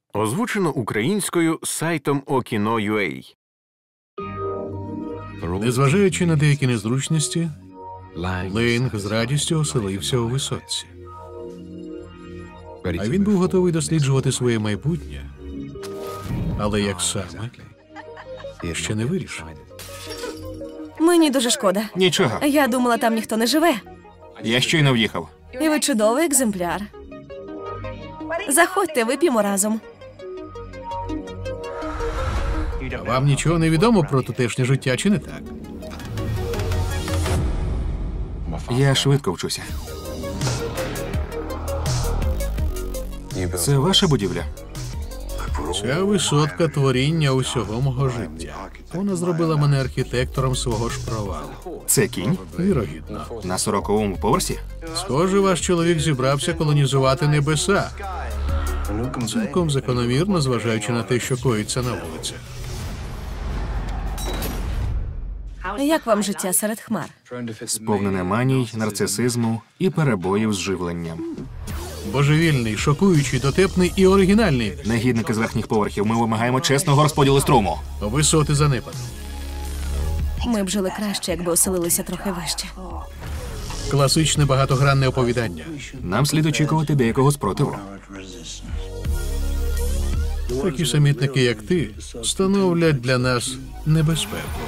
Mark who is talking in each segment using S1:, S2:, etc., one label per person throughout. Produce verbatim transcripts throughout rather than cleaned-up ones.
S1: Озвучено українською сайтом Okino крапка ю а.
S2: Незважаючи на деякі незручності, Лейнг з радістю оселився у висотці. А він був готовий досліджувати своє майбутнє. Але як саме, я ще не вирішив.
S3: Мені дуже шкода.
S4: Нічого.
S3: Я думала, там ніхто не живе.
S4: Я щойно в'їхав.
S3: І ви чудовий екземпляр. Заходьте, вип'ємо разом.
S2: А вам нічого не відомо про тутешнє життя, чи не так?
S4: Я швидко вчуся. Це ваша будівля?
S2: Ця висотка – творіння усього мого життя. Вона зробила мене архітектором свого ж провалу.
S4: Це кінь?
S2: Вірогідно.
S4: На сороковому поверсі?
S2: Схоже, ваш чоловік зібрався колонізувати небеса. Цілком закономірно, зважаючи на те, що коїться на вулицях.
S3: Як вам життя серед хмар?
S4: Сповнене маній, нарцисизму і перебоїв з живленням.
S2: Божевільний, шокуючий, дотепний і оригінальний.
S4: Негідники з верхніх поверхів, ми вимагаємо чесного розподілу струму.
S2: Висоти занепаду.
S3: Ми б жили краще, якби оселилися трохи вище.
S2: Класичне багатогранне оповідання.
S4: Нам слід очікувати деякого спротиву.
S2: Такі самітники, як ти, становлять для нас небезпеку.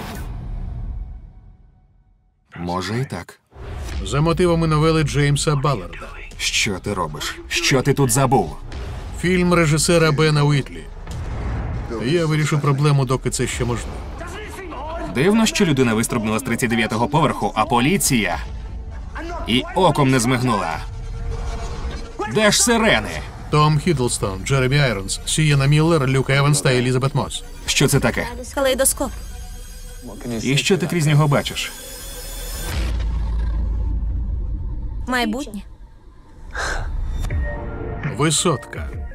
S4: Може і так.
S2: За мотивами новели Джеймса Балларда.
S4: Що ти робиш? Що ти тут забув?
S2: Фільм режисера Бена Уітлі. Я вирішу проблему, доки це ще можливо.
S4: Дивно, що людина вистрибнула з тридцять дев'ятого поверху, а поліція і оком не змигнула. Де ж сирени?
S2: Том Хіддлстон, Джеремі Айронс, Сієна Міллер, Люк Еванс та Елізабет Мосс.
S4: Що це таке?
S3: Калейдоскоп.
S4: І що ти крізь нього бачиш?
S3: Майбутнє.
S2: Висотка.